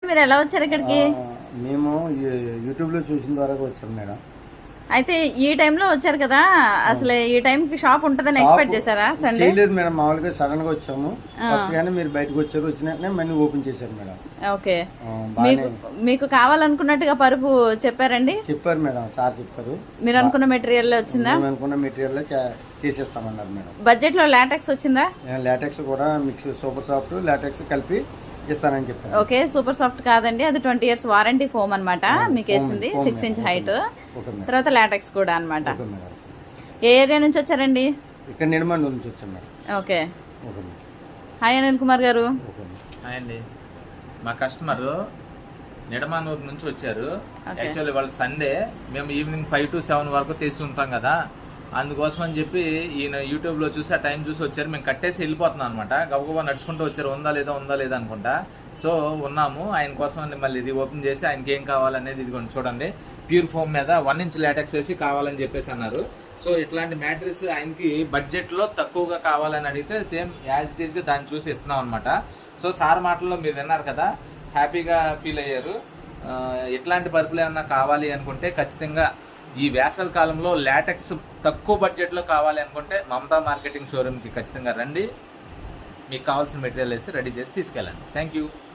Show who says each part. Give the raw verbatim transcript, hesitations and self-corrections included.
Speaker 1: మీరు ఎలా వచ్చారు ఇక్కడికి?
Speaker 2: మేము యూట్యూబ్ లో చూసిన ద్వారా వచ్చాం మేడం.
Speaker 1: అయితే ఈ టైంలో వచ్చారు కదా, అసలు ఈ టైం కి షాప్ ఉంటుందని ఎక్స్పెక్ట్ చేశారా? సండే
Speaker 2: లేదు మేడం, మామూలుగా సడన్ గా వచ్చాము. కానీ మీరు బయటకు వచ్చారు, వచ్చిన మళ్ళీ ఓపెన్ చేశారు మేడం.
Speaker 1: ఓకే, మీకు మీకు కావాలనుకున్నట్టుగా పరుపు చెప్పారండి?
Speaker 2: చెప్పారు మేడం, సార్ చెప్పారు.
Speaker 1: మీరు అనుకున్న మెటీరియల్ వచ్చిందా?
Speaker 2: అనుకున్న మెటీరియల్ చేసేస్తామన్నారు మేడం.
Speaker 1: బడ్జెట్ లో లాటెక్స్ వచ్చిందా?
Speaker 2: లాటెక్స్ కూడా మిక్స్ సూపర్ సాఫ్ట్ లాటెక్స్ కలిపి ఇస్తానని చెప్పారు.
Speaker 1: ఓకే, సూపర్ సాఫ్ట్ కాదండి, అది ట్వంటీ ఇయర్స్ వారంటీ ఫోమ్ అనమాట. మీకు వేసింది సిక్స్ ఇంచ్ హైట్, తర్వాత లాటెక్స్ కూడా అనమాట. ఏ ఏరియా నుంచి వచ్చారండి?
Speaker 2: ఇక్కడ నిర్మాణం నుంచి వచ్చాం madam.
Speaker 1: Okay, hi Anil Kumar గారు.
Speaker 3: హాయ్ అండి. మా కస్టమర్ నిడమానూరు నుంచి వచ్చారు. యాక్చువల్లీ వాళ్ళు సండే మేము ఈవినింగ్ ఫైవ్ టు సెవెన్ వరకు తీసి ఉంటాం కదా, అందుకోసం అని చెప్పి ఈయన యూట్యూబ్లో చూసి ఆ టైం చూసి వచ్చారు. మేము కట్టేసి వెళ్ళిపోతున్నాం అనమాట. గబగబా నడుచుకుంటూ వచ్చారు, ఉందా లేదా ఉందా లేదా అనుకుంటా. సో ఉన్నాము ఆయన కోసం అని మళ్ళీ ఇది ఓపెన్ చేసి ఆయనకి ఏం కావాలనేది ఇది కొంచెం చూడండి. ప్యూర్ ఫోమ్ మీద వన్ ఇంచ్ లాటెక్స్ వేసి కావాలని చెప్పేసి అన్నారు. సో ఇట్లాంటి మ్యాట్రిక్స్ ఆయనకి బడ్జెట్లో తక్కువగా కావాలని అడిగితే సేమ్ యాజ్ ఇట్ ఈస్గా దాన్ని చూసి ఇస్తున్నాం అనమాట. సో సార్ మాటల్లో మీరు విన్నారు కదా, హ్యాపీగా ఫీల్ అయ్యారు. ఇట్లాంటి పరుపులు ఏమన్నా కావాలి అనుకుంటే ఖచ్చితంగా ఈ వేసవి కాలంలో లాటెక్స్ తక్కువ బడ్జెట్లో కావాలి అనుకుంటే మమతా మార్కెటింగ్ షోరూమ్కి ఖచ్చితంగా రండి. మీకు కావాల్సిన మెటీరియల్ వేసి రెడీ చేసి తీసుకెళ్ళండి. Thank you.